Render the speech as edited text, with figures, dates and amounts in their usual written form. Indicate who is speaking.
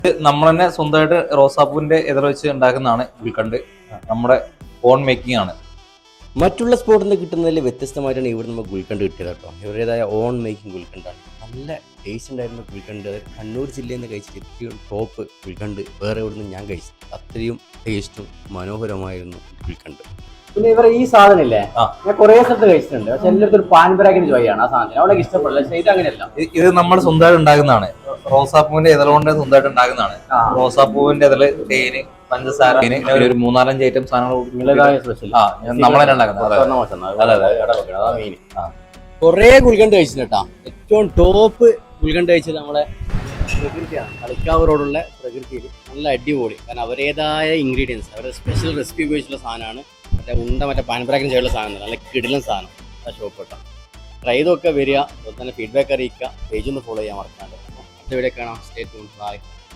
Speaker 1: നമ്മൾ തന്നെ സ്വന്തമായിട്ട് റോസാപ്പൂവിന്റെ ഇതൾ വെച്ച് ഉണ്ടാക്കുന്നതാണ് ഗുൽക്കണ്ട്. നമ്മുടെ ഓൺ മേക്കിംഗ് ആണ്.
Speaker 2: മറ്റുള്ള സ്പോട്ടിൽ നിന്ന് കിട്ടുന്നതിൽ വ്യത്യസ്തമായിട്ടാണ് ഇവിടെ നമ്മൾ ഗുൽക്കണ്ട് കിട്ടിയത് കേട്ടോ. ഇവരുടേതായ ഓൺ മേക്കിംഗ് ഗുൽക്കണ്ടാണ്. നല്ല ടേസ്റ്റ് ഉണ്ടായിരുന്ന ഗുൽക്കണ്ട്. അത് കണ്ണൂർ ജില്ലയിൽ നിന്ന് കഴിച്ചിട്ട് ഏറ്റവും ടോപ്പ് ഗുൽക്കണ്ട് വേറെ എവിടെ നിന്ന് ഞാൻ കഴിച്ചിട്ട് അത്രയും ടേസ്റ്റും മനോഹരമായിരുന്നു ഗുൽക്കണ്ട്.
Speaker 3: പിന്നെ ഇവർ ഈ സാധനം ഇല്ലേ, ഞാൻ കുറെ സ്ഥലത്ത് കഴിച്ചിട്ടുണ്ട്. പക്ഷെ എല്ലായിടത്തും ഒരു പാൻപരാഗിന് ചോയാണ് ആ സാധനം. അവിടെ ഇഷ്ടപ്പെടില്ല. പക്ഷെ ഇത് അങ്ങനെയല്ല.
Speaker 1: ഇത് നമ്മൾ സ്വന്തമായിട്ട് ഉണ്ടാക്കുന്നതാണ്. റോസാപ്പൂവിന്റെ ഇതൾ കൊണ്ട് സ്വന്തമായിട്ട് ഉണ്ടാക്കുന്നതാണ്. റോസാപ്പൂവിന്റെ ഇതള്, തേന്, പഞ്ചസാര, ഒരു 4-5 ഐറ്റം സാധനങ്ങൾ നമ്മളെ ഉണ്ടാക്കുന്നത്.
Speaker 2: കുറെ ഗുൽക്കണ്ട് കഴിച്ചിട്ടുണ്ട് കേട്ടോ. ഏറ്റവും ടോപ്പ് ഗുൽക്കണ്ട് കഴിച്ചത് നമ്മളെ പ്രകൃതിയാണ്. കളിക്കാവ് റോഡുള്ള പ്രകൃതിയിൽ നല്ല അടിപൊളി. കാരണം അവരേതായ ഇൻഗ്രീഡിയൻസ്, അവരുടെ സ്പെഷ്യൽ റെസിപ്പി ഉപയോഗിച്ചുള്ള സാധനമാണ്. മറ്റേ പാൻപരാഗിന് ചെയ്യുന്ന സാധനം, നല്ല കിടിലൻ സാധനം ആ ഷോപ്പ് കേട്ടോ. ട്രൈ ചെയ്തൊക്കെ വരിക. അതുപോലെ തന്നെ ഫീഡ്ബാക്ക് അറിയിക്കുക. പേജ് ഒന്ന് ഫോളോ ചെയ്യാൻ മറക്കാണ്ട്. അടുത്ത വീഡിയോ കാണാം. Stay tuned. ബൈ.